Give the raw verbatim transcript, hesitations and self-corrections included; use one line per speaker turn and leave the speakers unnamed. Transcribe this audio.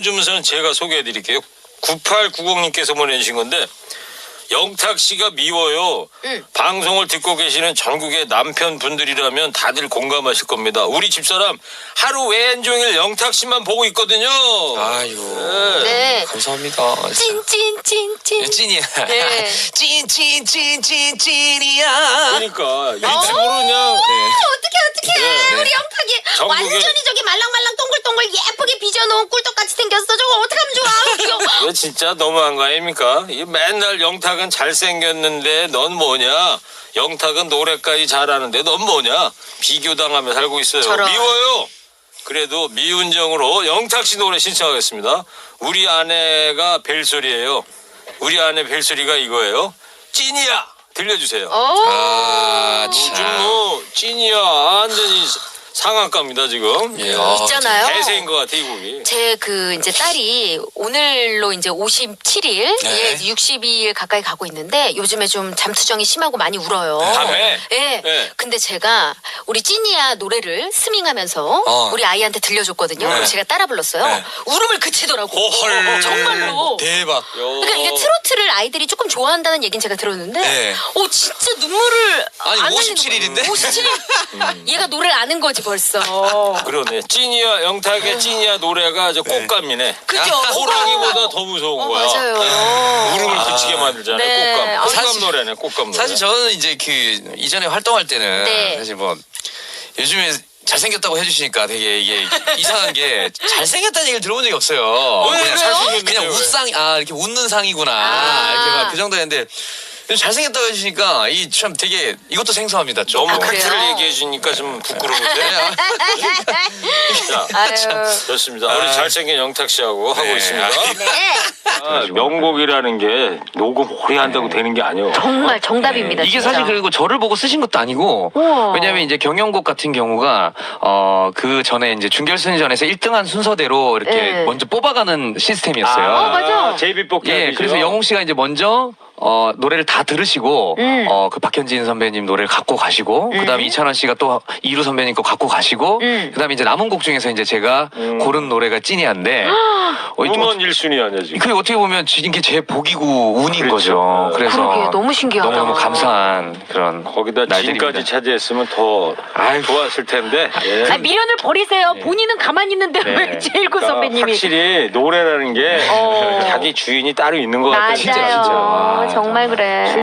주문서는 제가 소개해드릴게요. 구팔구공님께서 보내주신 건데 영탁 씨가 미워요.
응.
방송을 듣고 계시는 전국의 남편분들이라면 다들 공감하실 겁니다. 우리 집사람 하루 왼종일 영탁 씨만 보고 있거든요.
아유.
네.
네.
감사합니다.
찐찐찐찐.
찐이야.
네.
찐찐찐찐찐 찐이야.
그러니까 일찍으로 그냥
네.
어떻게 어떻게
네.
우리 영탁이
전국에-
완전히 저기 말랑말랑 동글동글 예쁘게 빚어놓은 꿀떡같이 생겼어. 저거 어떡하면 좋아. 귀여워.
이거 진짜 너무한 거 아닙니까? 이 맨날 영탁은 잘생겼는데 넌 뭐냐? 영탁은 노래까지 잘하는데 넌 뭐냐? 비교당하며 살고 있어요.
저런.
미워요. 그래도 미운정으로 영탁 씨 노래 신청하겠습니다. 우리 아내가 벨소리예요. 우리 아내 벨소리가 이거예요. 찐이야. 들려주세요.
어.
아,
요즘
참.
뭐 찐이야 완전히 상한가입니다 지금.
예, 아,
있잖아요.
대세인 것 같아 이 곡이.
제 그 이제 딸이 오늘로 이제 오십칠 일,
네.
예, 육십이 일 가까이 가고 있는데 요즘에 좀 잠투정이 심하고 많이 울어요.
밤에?
예.
네.
근데 제가 우리 찐이야 노래를 스밍하면서
어.
우리 아이한테 들려줬거든요.
네.
그럼 제가 따라 불렀어요.
네.
울음을 그치더라고.
헐.
정말로.
대박.
그러니까 이게 트로트를 아이들이 조금 좋아한다는 얘기는 제가 들었는데,
네.
오 진짜 눈물을
아니,
안
오십칠
흘리는
일인데?
거예요. 오십칠 일. 얘가 노래를 아는 거지 벌써.
그러네. 찐이야 영탁의 찐이야 노래가 저 꽃감이네.
그죠?
호랑이보다 더 무서운
어,
거야.
맞아요.
울음을 그치게 만들잖아요.
네.
꽃감.
아,
꽃감
사실-
노래네. 꽃감 노래.
사실 저는 이제 그 이전에 활동할 때는
네.
사실 뭐 요즘에 잘생겼다고 해주시니까 되게 이게 이상한 게 잘생겼다는 얘기를 들어본 적이 없어요.
왜,
그냥
왜요?
잘생겼는데 그냥
왜?
웃상 아 이렇게 웃는 상이구나
아.
이렇게 막 그 정도였는데 잘생겼다고 해주시니까 이 참 되게 이것도 생소합니다. 좀.
너무
아, 그래요?
팩트를 얘기해 주니까 좀 부끄러운데. 자,
아유.
좋습니다. 우리
아.
잘생긴 영탁 씨하고 하고
네.
있습니다.
네.
아, 명곡이라는 게 녹음 오래 한다고 되는 게 아니에요.
정말 정답입니다.
이게
진짜.
사실 그리고 저를 보고 쓰신 것도 아니고
우와.
왜냐면 이제 경연곡 같은 경우가 어 그 전에 이제 준결승전에서 일 등한 순서대로 이렇게
네.
먼저 뽑아가는 시스템이었어요.
어, 맞아.
제이비 뽑기.
예, 그래서 영웅 씨가 이제 먼저 어 노래를 다 들으시고
음.
어 그 박현진 선배님 노래를 갖고 가시고
음.
그다음에 이찬원 씨가 또 이루 선배님 거 갖고 가시고
음.
그다음에 이제 남은 곡 중에서 이제 제가
음.
고른 노래가 찐이한데 어, 이게
음원 일 순위 아니야 지금.
그게 어떻게 보면 이게 제 복이고 운인
그렇죠.
거죠.
네.
그래서
그러게, 너무 신기하다.
너무 감사한 그런
거기다
날들입니다.
진까지 차지했으면 더
아유.
좋았을 텐데. 예.
아, 미련을 버리세요. 본인은 가만히 있는데
네.
왜 제일구
그러니까
선배님이.
확실히 노래라는 게
어.
자기 주인이 따로 있는 것 같아요.
맞아요.
진짜 진짜.
와,
정말 그래.